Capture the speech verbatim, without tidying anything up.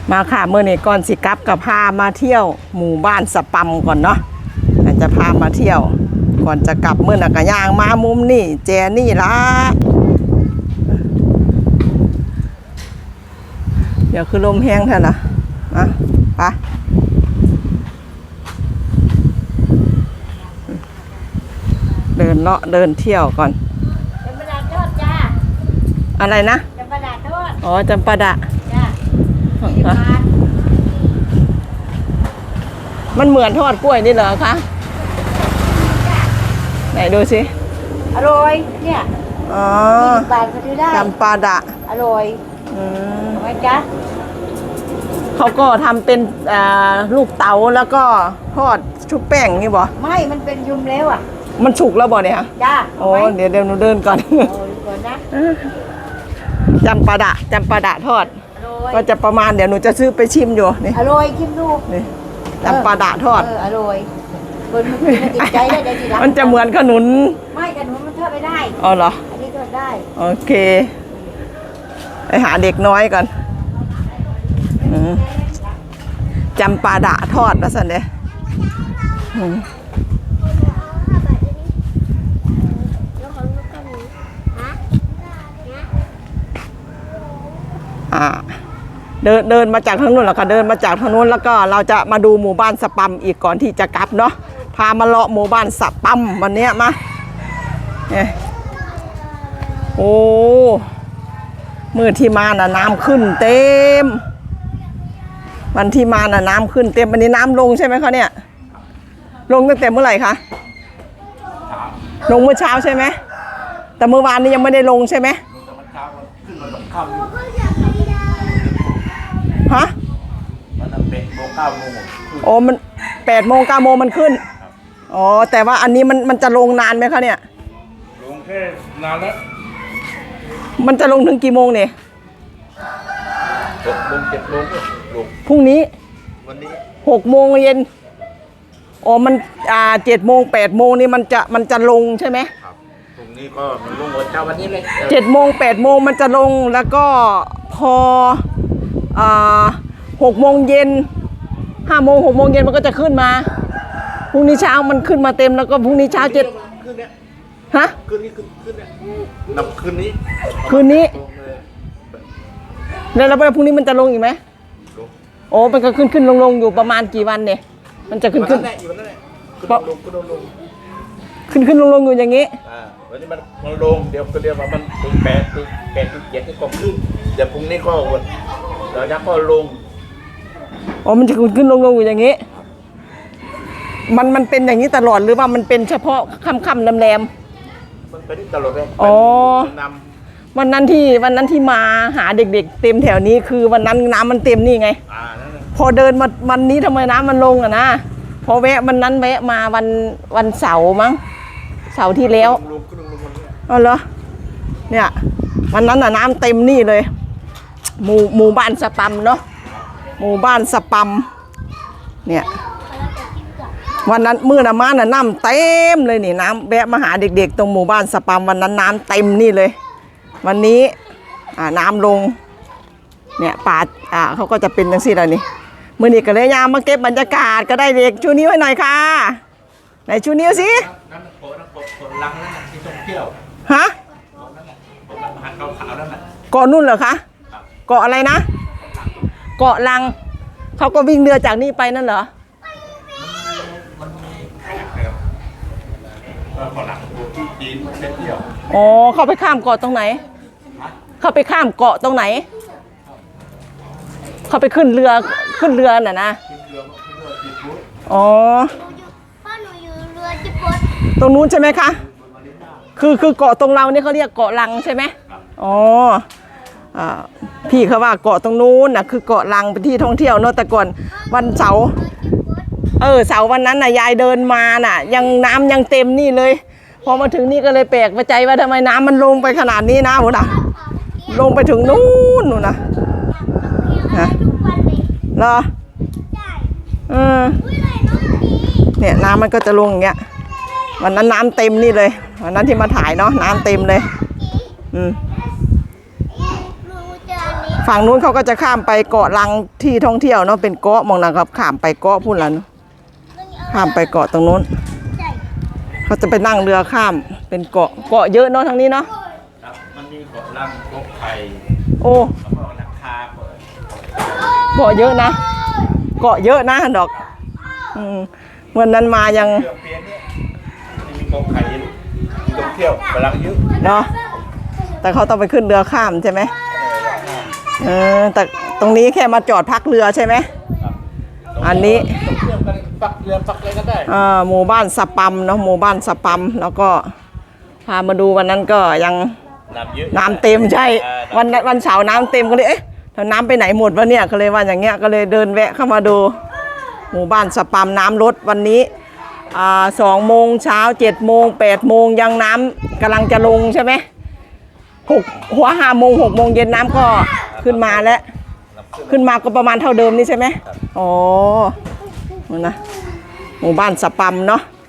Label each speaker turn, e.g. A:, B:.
A: มาค่ะเมื่อนี้ก่อนสิกลับกับพามาเที่ยวหมู่บ้านสปัมก่อนเนาะจะพามาเที่ยวก่อนจะกลับเมื่อนักย่างมามุมนี่แจนี่ละเดี๋ยวคือลมแห้งเถอะนะอ่ะไปเดินเลาะเดินเที่ยวก่อน
B: จำปาดาทอดจ้า
A: อะไรนะ
B: จำปาดาทอด
A: อ๋อจำปาดะ
B: จ้า
A: มันเหมือนทอดกล้วยนี่เหรอคะไหนดูสิ
B: อร่อยเนี่ย
A: อ๋อ
B: ยี่สิบบาทก็ซื้อได้
A: จำปาดะ
B: อร่อย
A: อืม
B: ทำไมจ๊ะ
A: เขาก็ทำเป็นลูกเต๋าแล้วก็ทอดชุบแป้งนี่บ่
B: ไม่มันเป็นยุมแล้วอ่ะ
A: มันฉุกแล้วบ่เนี่ย
B: จ้า
A: โอ้เดี๋ยวเดี๋ยวหนูเดินก่อน
B: โอ้ก่อนนะ
A: จำปาดะจำปาดะทอดก็จะประมาณเดี๋ยวหนูจะซื้อไปชิมอยู่นี่
B: อร่อยชิมดู
A: นี่จำปาดะทอด
B: อร่อยคนมันติดใจได้ได้ทีหลัง
A: มันจะเหมือนขนุน
B: ไม่ขนุนมันทอดไม่ได้
A: อ๋อเหรอ
B: อันนี้ทอดได้
A: โอเคไปหาเด็กน้อยก่อนจำปาดะทอดแล้วสันเดอ่าเดินเดินมาจากทางนู้นแล้วก็เดินมาจากทางนู้นแล้วก็เราจะมาดูหมู่บ้านสปัมอีกก่อนที่จะกลับเนาะพามาเลาะหมู่บ้านสปัมวันนี้มาเนี่ยโอ้มือที่มาน่ะน้ำขึ้นเต็มวันที่มาน่ะน้ำขึ้นเต็มวันนี้น้ำลงใช่ไหมคะเนี่ยลงตั้งแต่เมื่อไหร่คะลงเมื่อเช้าใช่ไหมแต่เมื่อวานนี้ยังไม่ได้ลงใช่ไหมฮะ
C: มันแปดโมงเก้าโมง
A: โอ้มันแปดโมงเก้าโมงมันขึ้นอ๋อแต่ว่าอันนี้มันมันจะลงนานไหมคะเนี่ย
C: ลงแค่นานแล้ว
A: มันจะลงถึงกี่โมงเนี่ย
C: หกโมงเจ็ดโมงลง
A: พรุ่งนี้
C: วันนี้
A: หกโมงเย็นอ๋อมันอ่าเจ็ดโมงแปดโมงนี่มันจะมันจะลงใช่ไหม
C: ครับพรุ่งนี้ก็มันลงวันเช้าวันนี้เลย
A: เจ็ดโมงแปดโมงมันจะลงแล้วก็พออ่าหกโมงเย็นห้าโมงหกโมงเย็นมันก็จะขึ้นมาพรุ่งนี้เช้ามันขึ้นมาเต็มแล้วก็พรุ่งนี้เช้าเจ็ดฮะ
C: คืนนี้คืนคืนนี้นับคืนนี้
A: คืนนี้แล้วแล้วพรุ่งนี้มันจะลงอีกไหมโอ้มันก็ขึ้นขึ้นลงลงอยู่ประมาณกี่วันเนี่ยมันจะขึ้นขึ้นขึ้นขึ้นลงลงอยู่อย่างนี้
C: วันนี้มันมันลงเดี๋ยวก็เรียกว่ามันถึงแปดถึงแปดถึงเจ็ดนี่ก็ขึ้นเดี๋ยวพรุ่งนี้ก็วันเดี๋ยวจะก็ลง
A: อ๋อมันจะขึ้นขึ้นลงลงอยู่อย่างนี้มันมันเป็นอย่างนี้ตลอดหรือว่ามันเป็นเฉพาะค่ำค่ำแรมแรม
C: มันเป็นตลอดเลย
A: อ๋อวันนั้นที่วันนั้นที่มาหาเด็กๆเต็มแถวนี้คือวันนั้นน้ำมันเต็มนี่ไงพอเดินมาวันนี้ทำไมน้ำมันลงอ่ะนะพอแวะวันนั้นแวะมาวันวันเสาร์มั้งเสาร์ที่แล้วอ๋อเหรอเนี่ยวันนั้นน่ะน้ำเต็มนี่เลยหมู่หมู่บ้านสปัมเนาะหมู่บ้านสปัมเนี่ยวันนั้นมื้อน่ะมาน่ะน้ำเต็มเลยนี่น้ำแวะมาหาเด็กๆตรงหมู่บ้านสปัมวันนั้นน้ำเต็มนี่เลยวันนี้อ่าน้ำลงเนี่ยป่าอ่าเขาก็จะเป็นจังซี่แล้วนี่มื้อนี้ก็เลยยามมาเก็บบรรยากาศก็ได้เด็กชูนิ้วให้หน่อยค่ะไหนชูนิ้วสิ
C: นั่นโผล่นั่นโผล่ลังนั่นน่ะที่ท่องเที่ยว
A: ฮะ
C: นั่นน่ะหาดขาวๆนั่นน่ะ
A: เกาะนู่นเหรอคะเกาะอะไรนะเกาะลังเขาก็วิ่งเรือจากนี่ไปนั่นเหรอ
C: มันมีขยักครับเกาะหลังที่จีนไปเที่ยว
A: อ๋อเขาไปข้ามเกาะตรงไหนเขาไปข้ามเกาะตรงไหนเขาไปขึ้นเรือขึ้นเรือน่ะนะอ๋อ
B: พ่อหนูอยู่เรือจิบด
A: ตรงนู้นใช่ไหมคะคือคือเกาะตรงเราเนี่ยเขาเรียกเกาะลังใช่ไหมอ๋ออ่าพี่เขาว่าเกาะตรงนู้นน่ะคือเกาะลังเป็นที่ท่องเที่ยวเนาะแต่ก่อนวันเสาร์เออเสาร์วันนั้นน่ะยายเดินมาน่ะยังน้ำยังเต็มนี่เลยพอมาถึงนี่ก็เลยแปลกใจว่าทำไมน้ำมันลงไปขนาดนี้นะโหน่ะลงไปถึงนู้นนู่นนะนะเหรอเออเนี่ยน้ำมันก็จะลงอย่างเงี้ยวันนั้นน้ำเต็มนี่เลยวันนั้นที่มาถ่ายเนาะน้ำเต็มเลยอืมฝั่งนู้นเขาก็จะข้ามไปเกาะลังที่ท่องเที่ยวเนาะเป็นเกาะมองนะครับข้ามไปเกาะพุ่นละเนาะข้ามไปเกาะตรงนู้น
B: ใช่
A: เขาจะไปนั่งเรือข้ามเป็นเกาะเกาะเยอะเนาะทางนี้เนาะ
C: ครับมันมีเกาะลังเกาะไข่
A: โอ้
C: แล้วก็ราคาเปิด
A: เกาะเยอะนะ เกาะเยอะนะดอกอืมวันนั้นมายัง
C: เที่ยวเปียเนี่ยมันมีเกาะไข่ที่ท่องเที่ยวกำลังเยอะ
A: เนาะแต่เขาต้องไปขึ้นเรือข้ามใช่ไหมเออแต่ตรงนี้แค่มาจอดพักเรือใช่ไหม
C: ครับ
A: อันนี้
C: ท่องเที่ยวกันปักเรือปักอะไรก็ได้
A: อ่าหมู่บ้านสปัมเนาะหมู่บ้านสปัมแล้วก็พามาดูวันนั้นก็ยัง
C: น้ำเยอะ
A: น้ำเต็มใช่
C: อ่า
A: วันนั้นวันเสาร์น้ำเต็มก็เลยเอ๊ะแล้วน้ำไปไหนหมดวะเนี่ยก็เลยว่าอย่างเงี้ยก็เลยเดินแวะเข้ามาดู หมู่บ้านสปัมน้ำลดวันนี้อ่าสองโมงเช้าเจ็ดโมงแปดโมงยังน้ำกำลังจะลงใช่ไหมหกหัวห้าโมงหกโมงเย็นน้ำก็ขึ้นมาแล้ว
C: น้ำขึ้น
A: ขึ้นมาก็ประมาณเท่าเดิมนี่ใช่ไหมอ๋อนั่นนะหมู่บ้านสปัมเนาะ